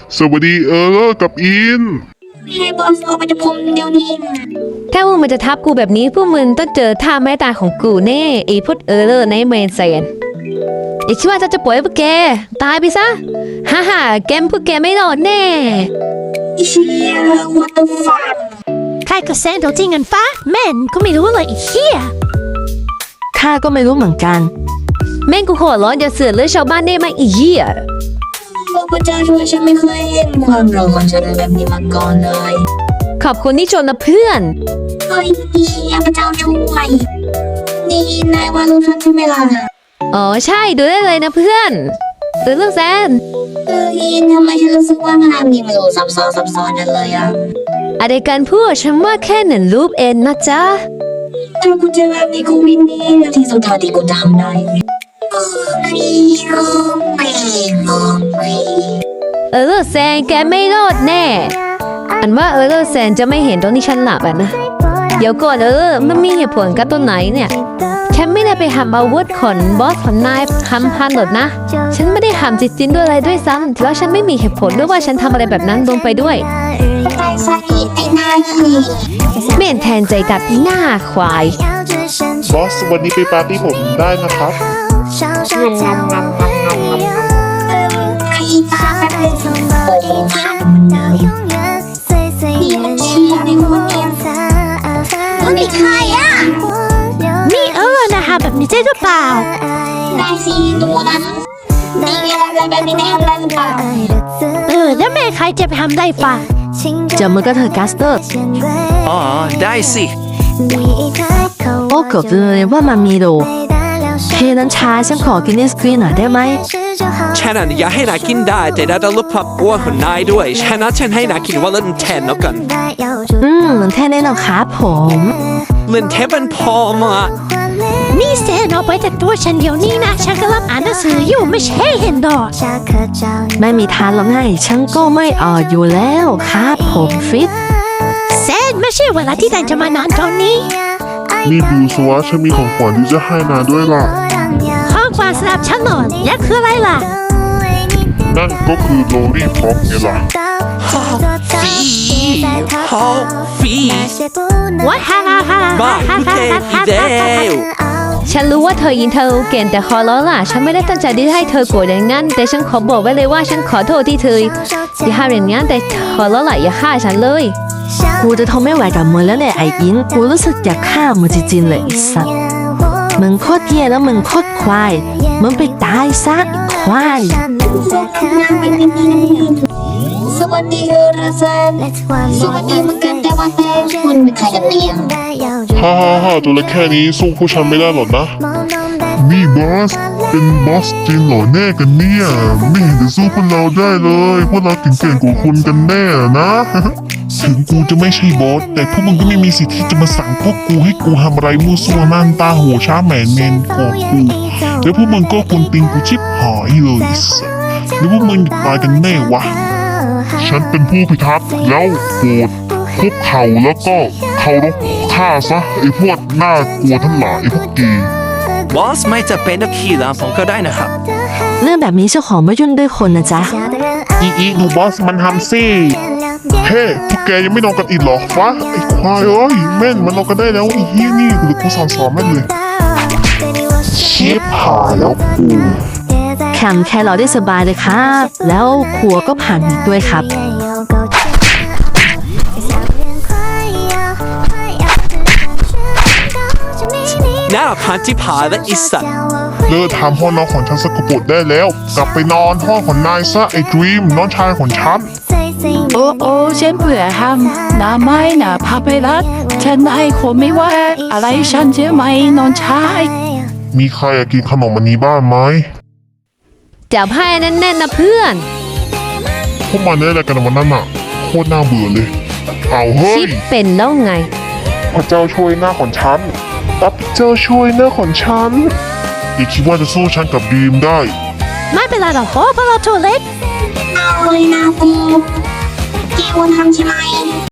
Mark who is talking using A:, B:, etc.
A: สวัสดีกับอิน
B: ให้บอสออกมาจากผมเดี๋ยวนี้
C: ถ้าพวกมันจะทับกูแบบนี้พวกมึงต้องเจอท่าไม้ตายของกูแน่ไอ้พุทธในเมนเซนอย่าคิดว่าจะปล่อยพวกแกตายไปซะฮ่าแกมพวกแกไม่รอดแน่
B: เชี่ย what the fuck
D: ใครก็แซนตัวจริงกันฟ้าแม่นก็ไม่รู้เลยไอ้เหี้ย
E: ข้าก็ไม่รู้เหมือนกัน
C: แม่งกูขอร้อนอย่าเสือกเลือดชาวบ้านได้ไหมอีเหี้ย
B: พระเจ้าช่วยฉันไม่เคยเห็นความร้อนจะได้แบบนี้มาก่อนเลย
C: ขอบคุณที่ชนนะเพื่อน
B: เฮ้ยพระเจ้าช่วยนี่นายว่าลูกฉันใช่ไหมล่ะ
C: อ๋อใช่ดูได้เลยนะเพื่อนดูเรื่องแซน
B: อินทำไมฉันรู้สึกว่างานนี้มันดูซับซ้อนกันเลย
C: อะไรกันพูดฉันว่าแค่หนึ่งรูปเองนะจ๊ะ
B: ถ้ากูจะแบบนี้กูวินนี่ที่สุดท้ายที่กูทำได้
C: แซนแกไม่รอดแน่อันว่าแซนจะไม่เห็นตอนที่ฉันหลับนะเดี๋ยวก่อนมันมีเหตุผลกับตัวไหนเนี่ยฉันไม่ได้ไปทำอาวุธของบอสของนายทำพันหรอกนะฉันไม่ได้ทำจิตด้วยอะไรด้วยซ้ำแล้วฉันไม่มีเหตุผลด้วยว่าฉันทำอะไรแบบนั้นลงไปด้วยเม่นแทนใจกับหน้าควาย
A: บอสวันนี้ไปปาร์ตี้ผมได้นะครับ
B: นี่ใครอ่ะ
D: นี่นะคะแบบนี้ใช่หรือเปล่า
B: ได้สิตัวนั้นนี่อะไรแบบนี้ไม่ทำได้หรือเปล่า
D: แล้วแม่ใครจะไปทำได้ป่ะ
E: จับมือกับเธอกัสเตอร์
F: อ๋อได้สิ
E: โอ้เกือบเลยว่ามันมีโดเฮ้นั้นชายฉันขอกินไอศกรีมหน่อยได้ไหม
F: ฉันอยากให้นายกินได้แต่ได้ต้องลดความอ้วนของนายด้วยฉะนั้นฉันให้นายกินวันละแทนแล้วกัน
E: แทนได้หรอครับผม
F: เล่นแทนเป็นพอมา
D: นี่เซนเอาไปจากตัวฉันเดี๋ยวนี้นะฉันกำลังอ่านหนังสืออยู่ไม่ใช่เห็นดอก
E: ไม่มีทานหรอกไงฉันก็ไม่อยู่แล้วครับผมฟิต
D: เซนไม่ใช่เวลาที่นายจะมานอนตอนนี้
A: นี่ดูสวะฉันมีของขวัญที่จะให้นายด้วยล่ะ
D: ของขวัญสำหรับฉันหน่อยและคืออะไรล่ะ
A: นั่นก็คือโลลี่พ็อกไงล่ะ
F: ฟี
D: ว้าว
F: บ้าพูดเท่ดีเดียว
C: ฉันรู้ว่าเธอยินเธอเก่งแต่ขอร้องล่ะฉันไม่ได้ตั้งใจที่ให้เธอโกรธอย่างนั้นแต่ฉันขอบอกไว้เลยว่าฉันขอโทษที่เธอที่ทำอย่างนั้นแต่ขอร้องล่ะอย่าฆ่าฉันเลย
E: กูจะทนไม่ไหวกับมึงแล้วเนี่ยไอ้อินกูรู้สึกอยากฆ่ามึงจริงๆเลยสัตว์มึงโคตรเหี้ยแล้วมึงโคตรควายมึงไปตายซะควาย
B: สวัสดีแซนสวัสดีเหมือนกันแต่ว่าแต่คุณเป็นใครกันเนี่ย
A: ฮ่าตัวเล็กแค่นี้สู้ผู้ชันไม่ได้หรอกนะนี่บอสเป็นบอสจริงเหรอแน่กันเนี่ยไม่เห็นจะสู้พวกเราได้เลยพวกเราเก่งกว่าคุณกันแน่นะถึงกูจะไม่ใช่บอสแต่พวกมึงก็ไม่มีสิทธิ์ที่จะมาสั่งพวกกูให้กูทำอะไรมั่วซั่วนั่นตาหัวช้าแหมนเมนกอกูแล้วพวกมึงก็ควรติงกูชิบหายเลยแล้วพวกมึงตายกันแน่วะฉันเป็นผู้พิทักษ์แล้วโปรดคุกเข่าแล้วก็เคารพข้าซะไอ้พวกน่ากลัวทั้งหลายไอ้พวกกี
F: บอสไม่จะเป็นนักขี่หลังผมก็ได้นะครับ
E: เรื่องแบบนี้เจ้าของไม่ยุ่งด้วยคนนะจ๊ะ
A: ดูบอสมันทำสิเฮ้พวกแกยังไม่นอนกันอีกหรอวะไอ้ควายเอ้ยแม่นมันนอนกันได้แล้วไอ้เฮียนี่หรือกูสอนแม่นเลยชิบหายแล้วกู
E: แข่งแค่รอได้สบายเลยครับแล้วครัวก็ผ่านด้วยครับ
F: น่าพันที่ผาและอิสัต
A: เลิกทำห้องนอนของฉันสกปรกได้แล้วกลับไปนอนห้องของนายซะไอ้ดรีมน้องชายของฉัน
G: โอ้ฉันเบื่อทำน้าไม่น่าพาไปรักฉันให้คนไม่ว่าอะไรฉันจะไม่นอนชาย
A: มีใครอยากกินขนมอันนี้บ้างไหม
C: จับให้แน่นๆนะเพื่อน
A: พวกมันได้อะไรกันวันนั้นอ่ะโคตรน่าเบื่อเลยเอาเฮ้ย
C: ชิปเป็นแล้วไง
A: พระเจ้าช่วยหน้าของฉันพระเจ้าช่วยหน้าของฉันอย่าคิดว่าจะสู้ฉันกับดีมได้
D: ไม่เป็นไรหรอกเพราะเราตัวเล็ก
B: เอาเลยนะกูเกวันทำใช่ไหม